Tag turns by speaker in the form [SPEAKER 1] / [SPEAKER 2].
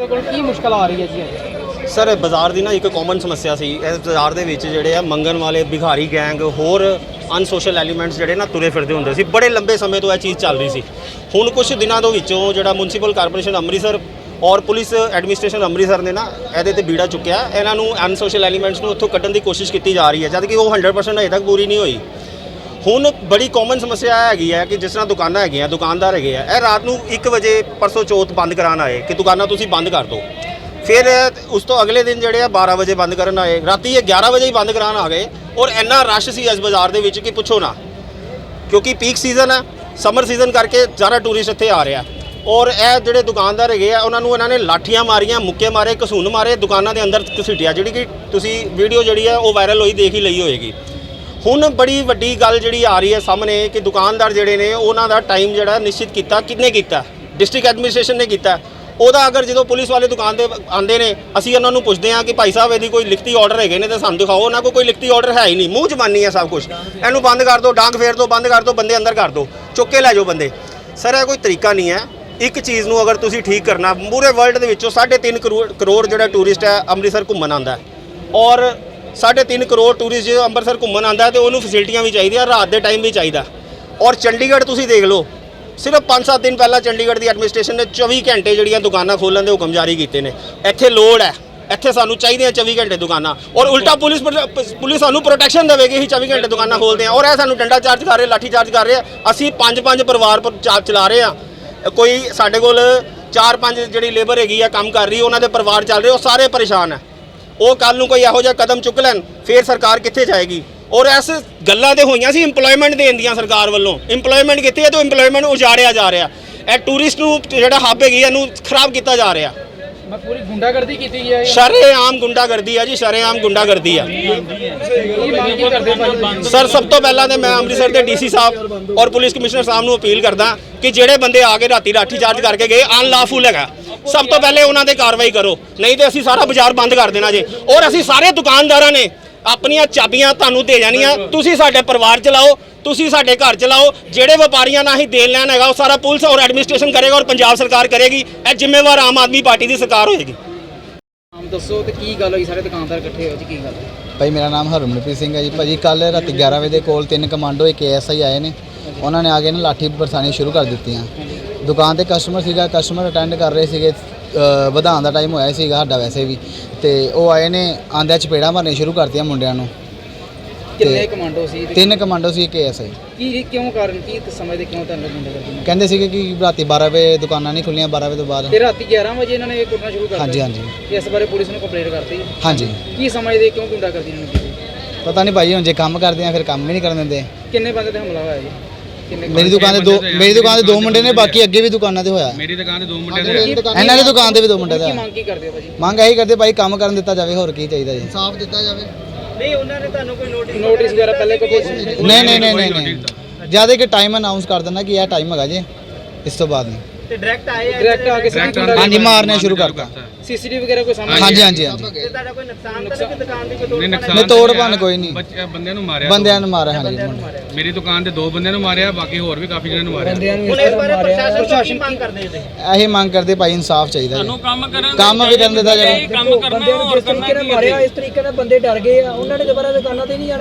[SPEAKER 1] ਕੀ ਮੁਸ਼ਕਲ ਆ ਰਹੀ ਹੈ ਜੀ?
[SPEAKER 2] ਸਰ ਬਾਜ਼ਾਰ ਦੀ ਨਾ ਇੱਕ ਕਾਮਨ ਸਮੱਸਿਆ ਸੀ। ਇਸ ਬਾਜ਼ਾਰ ਦੇ ਵਿੱਚ ਜਿਹੜੇ ਆ ਮੰਗਣ ਵਾਲੇ ਭਿਖਾਰੀ ਗੈਂਗ ਹੋਰ ਅਨਸੋਸ਼ਲ ਐਲੀਮੈਂਟਸ ਜਿਹੜੇ ਨਾ ਤੁਰੇ ਫਿਰਦੇ ਹੁੰਦੇ ਸੀ। ਬੜੇ ਲੰਬੇ ਸਮੇਂ ਤੋਂ ਇਹ ਚੀਜ਼ ਚੱਲ ਰਹੀ ਸੀ। ਹੁਣ ਕੁਝ ਦਿਨਾਂ ਦੇ ਵਿੱਚੋਂ ਜਿਹੜਾ ਮੁਨਸੀਪਲ ਕਾਰਪੋਰੇਸ਼ਨ ਅੰਮ੍ਰਿਤਸਰ ਔਰ ਪੁਲਿਸ ਐਡਮਿਨਿਸਟ੍ਰੇਸ਼ਨ ਅੰਮ੍ਰਿਤਸਰ ਨੇ ਨਾ ਇਹਦੇ ਤੇ ਬੀੜਾ ਚੁੱਕਿਆ। ਇਹਨਾਂ ਨੂੰ ਅਨਸੋਸ਼ਲ ਐਲੀਮੈਂਟਸ ਨੂੰ ਉੱਥੋਂ ਕੱਢਣ ਦੀ ਕੋਸ਼ਿਸ਼ ਕੀਤੀ ਜਾ ਰਹੀ ਹੈ, ਜਦ ਕਿ ਉਹ 100% ਅਜੇ ਤੱਕ ਪੂਰੀ ਨਹੀਂ ਹੋਈ। ਹੁਣ ਬੜੀ ਕਾਮਨ ਸਮੱਸਿਆ ਹੈਗੀ ਹੈ ਕਿ ਜਿਸ ਤਰ੍ਹਾਂ ਦੁਕਾਨਾਂ ਹੈਗੀਆਂ, ਦੁਕਾਨਦਾਰ ਹੈਗੇ ਆ, ਇਹ ਰਾਤ ਨੂੰ 1 ਵਜੇ ਪਰਸੋਂ ਚੌਥ ਬੰਦ ਕਰਾਉਣ ਆਏ ਕਿ ਦੁਕਾਨਾਂ ਤੁਸੀਂ ਬੰਦ ਕਰ ਦਿਓ। ਫਿਰ ਉਸ ਤੋਂ ਅਗਲੇ ਦਿਨ ਜਿਹੜੇ ਆ 12 ਵਜੇ ਬੰਦ ਕਰਨ ਆਏ, ਰਾਤੀ ਇਹ 11 ਵਜੇ ਹੀ ਬੰਦ ਕਰਾਉਣ ਆ ਗਏ। ਔਰ ਇੰਨਾ ਰਸ਼ ਸੀ ਇਸ ਬਾਜ਼ਾਰ ਦੇ ਵਿੱਚ ਕਿ ਪੁੱਛੋ ਨਾ, ਕਿਉਂਕਿ ਪੀਕ ਸੀਜ਼ਨ ਹੈ, ਸਮਰ ਸੀਜ਼ਨ ਕਰਕੇ ਜ਼ਿਆਦਾ ਟੂਰਿਸਟ ਇੱਥੇ ਆ ਰਿਹਾ। ਔਰ ਇਹ ਜਿਹੜੇ ਦੁਕਾਨਦਾਰ ਹੈਗੇ ਆ ਉਹਨਾਂ ਨੂੰ ਇਹਨਾਂ ਨੇ ਲਾਠੀਆਂ ਮਾਰੀਆਂ, ਮੁੱਕੇ ਮਾਰੇ, ਘਸੂਨ ਮਾਰੇ, ਦੁਕਾਨਾਂ ਦੇ ਅੰਦਰ ਘਸੀਟਿਆ, ਜਿਹੜੀ ਕਿ ਤੁਸੀਂ ਵੀਡੀਓ ਜਿਹੜੀ ਹੈ ਉਹ ਵਾਇਰਲ ਹੋਈ ਦੇਖ ਹੀ ਲਈ ਹੋਏਗੀ। ਹੁਣ ਬੜੀ ਵੱਡੀ ਗੱਲ ਜਿਹੜੀ ਆ ਰਹੀ ਹੈ ਸਾਹਮਣੇ ਕਿ ਦੁਕਾਨਦਾਰ ਜਿਹੜੇ ਨੇ ਉਹਨਾਂ ਦਾ ਟਾਈਮ ਜਿਹੜਾ ਨਿਸ਼ਚਿਤ ਕੀਤਾ, ਕਿਹਨੇ ਕੀਤਾ? ਡਿਸਟ੍ਰਿਕਟ ਐਡਮਿਨਿਸਟ੍ਰੇਸ਼ਨ ਨੇ ਕੀਤਾ। ਉਹਦਾ ਅਗਰ ਜਦੋਂ ਪੁਲਿਸ ਵਾਲੇ ਦੁਕਾਨ ਤੇ ਆਉਂਦੇ ਨੇ, ਅਸੀਂ ਉਹਨਾਂ ਨੂੰ ਪੁੱਛਦੇ ਹਾਂ ਕਿ ਭਾਈ ਸਾਹਿਬ ਇਹਦੀ ਕੋਈ ਲਿਖਤੀ ਆਰਡਰ ਹੈਗੇ ਨੇ ਤਾਂ ਸਾਨੂੰ ਦਿਖਾਓ। ਉਹਨਾਂ ਕੋਲ ਕੋਈ ਲਿਖਤੀ ਆਰਡਰ ਹੈ ਹੀ ਨਹੀਂ, ਮੂੰਹ ਜ਼ਬਾਨੀ ਹੈ ਸਭ ਕੁਝ। ਇਹਨੂੰ ਬੰਦ ਕਰ ਦਿਓ, ਡਾਂਗ ਫੇਰ ਦਿਓ, ਬੰਦ ਕਰ ਦਿਓ, ਬੰਦੇ ਅੰਦਰ ਕਰ ਦਿਓ, ਚੁੱਕ ਕੇ ਲੈ ਜਾਓ ਬੰਦੇ। ਸਰ ਇਹ ਕੋਈ ਤਰੀਕਾ ਨਹੀਂ ਹੈ। ਇੱਕ ਚੀਜ਼ ਨੂੰ ਅਗਰ ਤੁਸੀਂ ਠੀਕ ਕਰਨਾ, ਪੂਰੇ ਵਰਲਡ ਦੇ ਵਿੱਚੋਂ 3.5 ਕਰੋੜ ਜਿਹੜਾ ਟੂਰਿਸਟ ਹੈ ਅੰਮ੍ਰਿਤਸਰ ਘੁੰਮਣ ਆਉਂਦਾ ਹੈ। ਔਰ 3.5 ਕਰੋੜ ਟੂਰਿਸਟ ਜਦੋਂ ਅੰਮ੍ਰਿਤਸਰ ਘੁੰਮਣ ਆਉਂਦਾ ਹੈ ਤੇ ਉਹਨੂੰ ਫੈਸਿਲਿਟੀਆਂ ਵੀ ਚਾਹੀਦੀਆਂ, ਰਾਤ ਦੇ ਟਾਈਮ ਵੀ ਚਾਹੀਦਾ। ਔਰ ਚੰਡੀਗੜ੍ਹ ਤੁਸੀਂ ਦੇਖ ਲਓ, ਸਿਰਫ 5-7 ਦਿਨ ਪਹਿਲਾਂ ਚੰਡੀਗੜ੍ਹ ਦੀ ਐਡਮਿਨਿਸਟ੍ਰੇਸ਼ਨ ਨੇ 24 ਘੰਟੇ ਜਿਹੜੀਆਂ ਦੁਕਾਨਾਂ ਖੋਲ੍ਹਣ ਦੇ ਹੁਕਮ ਜਾਰੀ ਕੀਤੇ ਨੇ। ਇੱਥੇ ਲੋੜ ਹੈ, ਇੱਥੇ ਸਾਨੂੰ ਚਾਹੀਦੀਆਂ 24 ਘੰਟੇ ਦੁਕਾਨਾਂ। ਔਰ ਉਲਟਾ ਪੁਲਿਸ ਸਾਨੂੰ ਪ੍ਰੋਟੈਕਸ਼ਨ ਦੇਵੇਗੀ ਹੀ 24 ਘੰਟੇ ਦੁਕਾਨਾਂ ਖੋਲ੍ਹਦੇ ਆ। ਔਰ ਇਹ ਸਾਨੂੰ ਡੰਡਾ ਚਾਰਜ ਕਰ ਰਹੇ, ਲਾਠੀ ਚਾਰਜ ਕਰ ਰਹੇ ਆ। ਅਸੀਂ 5 ਪਰਿਵਾਰ ਚਲਾ ਰਹੇ ਆ। ਕੋਈ ਸਾਡੇ ਕੋਲ 4-5 ਜਿਹੜੀ ਲੇਬਰ ਹੈਗੀ ਆ ਕੰਮ ਕਰ ਰਹੀ, ਉਹਨਾਂ ਦੇ ਪਰਿਵਾਰ ਚੱਲ ਰਹੇ, ਉਹ ਸਾਰੇ ਪਰੇਸ਼ਾਨ ਹੈ। ਉਹ ਕੱਲ ਨੂੰ ਕੋਈ ਇਹੋ ਜਿਹਾ ਕਦਮ ਚੁੱਕ ਲੈਣ, ਫਿਰ ਸਰਕਾਰ ਕਿੱਥੇ ਜਾਏਗੀ? ਔਰ ਇਸ ਗੱਲਾਂ ਤੇ ਹੋਈਆਂ ਸੀ ਇੰਪਲੋਇਮੈਂਟ ਦੇਣ ਦੀਆਂ ਸਰਕਾਰ ਵੱਲੋਂ। ਇੰਪਲੋਇਮੈਂਟ ਕਿੱਥੇ ਹੈ? ਤਾਂ ਇੰਪਲੋਇਮੈਂਟ ਉਜਾੜਿਆ ਜਾ ਰਿਹਾ। ਇਹ ਟੂਰਿਸਟ ਨੂੰ ਜਿਹੜਾ ਹੱਬ ਹੈਗੀ ਇਹਨੂੰ ਖਰਾਬ ਕੀਤਾ ਜਾ ਰਿਹਾ।
[SPEAKER 1] ਮੈਂ ਪੂਰੀ ਗੁੰਡਾਗਰਦੀ ਕੀਤੀ ਹੈ।
[SPEAKER 2] ਸ਼ਰੇਆਮ ਗੁੰਡਾਗਰਦੀ ਹੈ ਜੀ, ਸ਼ਰੇਆਮ ਗੁੰਡਾਗਰਦੀ ਹੈ। ਸਰ ਸਭ ਤੋਂ ਪਹਿਲਾਂ ਤਾਂ ਮੈਂ ਅੰਮ੍ਰਿਤਸਰ ਦੇ ਡੀਸੀ ਸਾਹਿਬ ਔਰ ਪੁਲਿਸ ਕਮਿਸ਼ਨਰ ਸਾਹਿਬ ਨੂੰ ਅਪੀਲ ਕਰਦਾ ਕਿ ਜਿਹੜੇ ਬੰਦੇ ਆ ਕੇ ਰਾਤੀ ਲਾਠੀ ਚਾਰਜ ਕਰਕੇ ਗਏ, ਅਨਲਾਫੁਲ ਹੈਗਾ, ਸਭ ਤੋਂ ਪਹਿਲੇ ਉਹਨਾਂ ਤੇ ਕਾਰਵਾਈ ਕਰੋ, ਨਹੀਂ ਤੇ ਅਸੀਂ ਸਾਰਾ ਬਾਜ਼ਾਰ ਬੰਦ ਕਰ ਦੇਣਾ ਜੇ। ਔਰ ਅਸੀਂ ਸਾਰੇ ਦੁਕਾਨਦਾਰਾਂ ਨੇ ਆਪਣੀਆਂ ਚਾਬੀਆਂ ਤੁਹਾਨੂੰ ਦੇ ਜਾਣੀਆਂ। ਤੁਸੀਂ ਸਾਡੇ ਪਰਿਵਾਰ ਚਲਾਓ, ਤੁਸੀਂ ਸਾਡੇ ਘਰ ਚਲਾਓ। ਜਿਹੜੇ ਵਪਾਰੀਆਂ ਨਾਲ ਹੀ ਦੇਣ ਲੈਣ ਹੈਗਾ ਉਹ ਸਾਰਾ ਪੁਲਿਸ ਔਰ ਐਡਮਿਨਿਸਟ੍ਰੇਸ਼ਨ ਕਰੇਗਾ ਔਰ ਪੰਜਾਬ ਸਰਕਾਰ ਕਰੇਗੀ। ਇਹ ਜ਼ਿੰਮੇਵਾਰ ਆਮ ਆਦਮੀ ਪਾਰਟੀ ਦੀ ਸਰਕਾਰ ਹੋਏਗੀ।
[SPEAKER 1] ਨਾਮ ਦੱਸੋ ਤੇ ਕੀ ਗੱਲ ਹੋਈ? ਸਾਰੇ ਦੁਕਾਨਦਾਰ ਇਕੱਠੇ ਹੋਏ ਜੀ, ਕੀ ਗੱਲ?
[SPEAKER 3] ਭਾਈ ਮੇਰਾ ਨਾਮ ਹਰਮਨਪ੍ਰੀਤ ਸਿੰਘ ਹੈ ਜੀ। ਭਾਜੀ ਕੱਲ ਰਾਤੀ 11 ਵਜੇ ਦੇ ਕੋਲ 3 ਕਮਾਂਡੋ ਇੱਕ ASI ਆਏ ਨੇ। ਉਹਨਾਂ ਨੇ ਆ ਕੇ ਨਾ ਲਾਠੀ ਬਰਸਾਣੀ ਸ਼ੁਰੂ ਕਰ ਦਿੱਤੀਆਂ। ਦੁਕਾਨ ਤੇ ਕਸਟਮਰ ਸੀਗਾ, ਕਸਟਮਰ ਅਟੈਂਡ ਕਰ ਰਹੇ ਸੀਗੇ। ਵਧਾਉਣ ਦਾ ਟਾਈਮ ਹੋਇਆ ਸੀਗਾ ਸਾਡਾ ਵੈਸੇ ਵੀ, ਤੇ ਉਹ ਆਏ ਨੇ, ਆਂਦਿਆਂ ਚਪੇੜਾਂ ਮਾਰਨੀਆਂ ਸ਼ੁਰੂ ਕਰਤੀਆਂ ਮੁੰਡਿਆਂ ਨੂੰ।
[SPEAKER 1] ਕਿੰਨੇ ਕਮਾਂਡੋ ਸੀ?
[SPEAKER 3] 3 ਕਮਾਂਡੋ ਸੀ, ਇੱਕ ASI।
[SPEAKER 1] ਕੀ ਕਿਉਂ ਕਾਰਨ ਕੀ ਸਮਝਦੇ ਕਿਉਂ ਤੁਹਾਨੂੰ ਗੁੰਡਾਗਰਦੀ?
[SPEAKER 3] ਕਹਿੰਦੇ ਸੀਗੇ ਕਿ ਰਾਤੀ 12 ਵਜੇ ਦੁਕਾਨਾਂ ਨਹੀਂ ਖੁੱਲੀਆਂ, 12 ਵਜੇ ਤੋਂ ਬਾਅਦ।
[SPEAKER 1] ਤੇ ਰਾਤੀ 11 ਵਜੇ ਇਹਨਾਂ ਨੇ ਕੁੱਟਣਾ ਸ਼ੁਰੂ ਕਰ ਦਿੱਤਾ?
[SPEAKER 3] ਹਾਂਜੀ।
[SPEAKER 1] ਇਸ ਬਾਰੇ ਪੁਲਿਸ ਨੂੰ ਕੰਪਲੇਂਟ ਕਰਤੀ?
[SPEAKER 3] ਹਾਂਜੀ।
[SPEAKER 1] ਕੀ ਸਮਝਦੇ ਕਿਉਂ ਗੁੰਡਾਗਰਦੀ ਇਹਨਾਂ ਨੂੰ ਕੀਤੀ?
[SPEAKER 3] ਪਤਾ ਨਹੀਂ ਭਾਈ, ਹੁਣ ਜੇ ਕੰਮ ਕਰਦੇ ਆ ਫਿਰ ਕੰਮ ਵੀ ਨਹੀਂ ਕਰਨ ਦਿੰਦੇ।
[SPEAKER 1] ਕਿੰਨੇ ਬੰਦੇ ਤੇ ਹਮਲਾ ਹੋਇਆ ਜੀ?
[SPEAKER 3] ਮੇਰੀ ਦੁਕਾਨ ਤੇ 2 ਮੁੰਡੇ ਨੇ, ਬਾਕੀ ਅੱਗੇ ਵੀ ਦੁਕਾਨਾਂ ਤੇ ਹੋਇਆ।
[SPEAKER 4] ਮੇਰੀ ਦੁਕਾਨ ਤੇ 2 ਮੁੰਡੇ ਨੇ,
[SPEAKER 3] ਇਹਨਾਂ ਦੀ ਦੁਕਾਨ ਤੇ ਵੀ 2 ਮੁੰਡੇ ਦਾ।
[SPEAKER 1] ਕੀ ਮੰਗ ਕੀ ਕਰਦੇ ਹੋ ਭਾਜੀ?
[SPEAKER 3] ਮੰਗ ਇਹੀ ਕਰਦੇ ਭਾਈ, ਕੰਮ ਕਰਨ ਦਿੱਤਾ ਜਾਵੇ, ਹੋਰ ਕੀ ਚਾਹੀਦਾ ਜੀ?
[SPEAKER 1] ਇਨਸਾਫ ਦਿੱਤਾ ਜਾਵੇ। ਨਹੀਂ ਉਹਨਾਂ ਨੇ ਤੁਹਾਨੂੰ ਕੋਈ ਨੋਟਿਸ ਵਗੈਰਾ ਪਹਿਲੇ ਕੋਈ?
[SPEAKER 3] ਨਹੀਂ। ਜਿਆਦਾ ਕਿ ਟਾਈਮ ਅਨਾਉਂਸ ਕਰ ਦਿੰਦਾ ਕਿ ਇਹ ਟਾਈਮ ਹੈਗਾ ਜੀ, ਇਸ ਤੋਂ ਬਾਅਦ ਨਹੀਂ।
[SPEAKER 1] ਤੇ ਡਾਇਰੈਕਟ ਆ ਕੇ
[SPEAKER 3] ਹਾਂਜੀ, ਮਾਰਨੇ ਸ਼ੁਰੂ ਕਰਤਾ।
[SPEAKER 1] ਸੀਸੀਟੀਵੀ ਵਗੈਰਾ ਕੋਈ ਸਾਹਮਣੇ?
[SPEAKER 3] ਹਾਂਜੀ।
[SPEAKER 1] ਤੇ ਤੁਹਾਡਾ ਕੋਈ ਨੁਕਸਾਨ ਤਾਂ ਨਹੀਂ? ਦੁਕਾਨ ਦੀ ਕੋਈ
[SPEAKER 3] ਨਹੀਂ, ਤੋੜ ਭੰਨ ਕੋਈ ਨਹੀਂ।
[SPEAKER 4] ਬੰਦਿਆਂ ਨੂੰ ਮਾਰਿਆ।
[SPEAKER 3] ਹਾਂਜੀ।
[SPEAKER 4] ਮੇਰੀ ਦੁਕਾਨ ਤੇ 2 ਬੰਦਿਆਂ ਨੂੰ ਮਾਰਿਆ, ਬਾਕੀ ਹੋਰ ਵੀ ਕਾਫੀ ਜਣਿਆਂ ਨੂੰ ਮਾਰਿਆ।
[SPEAKER 1] ਹੁਣ ਇਸ ਬਾਰੇ ਪ੍ਰਸ਼ਾਸਨ ਕੀ ਮੰਗ ਕਰਦੇ ਨੇ?
[SPEAKER 3] ਇਹੀ ਮੰਗ ਕਰਦੇ ਭਾਈ, ਇਨਸਾਫ ਚਾਹੀਦਾ ਜੀ। ਕੰਮ ਵੀ ਕਰਨ ਦਿੱਤਾ ਜਾਵੇ।
[SPEAKER 1] ਬੰਦਿਆਂ ਨੂੰ ਜਿਸ ਤਰੀਕੇ ਨਾਲ ਮਾਰਿਆ, ਇਸ ਤਰੀਕੇ ਨਾਲ ਬੰਦੇ ਡਰ ਗਏ ਆ। ਉਹਨਾਂ ਨੇ ਦੁਬਾਰਾ ਦੁਕਾਨਾਂ ਤੇ ਨਹੀਂ ਜਾਣਾ।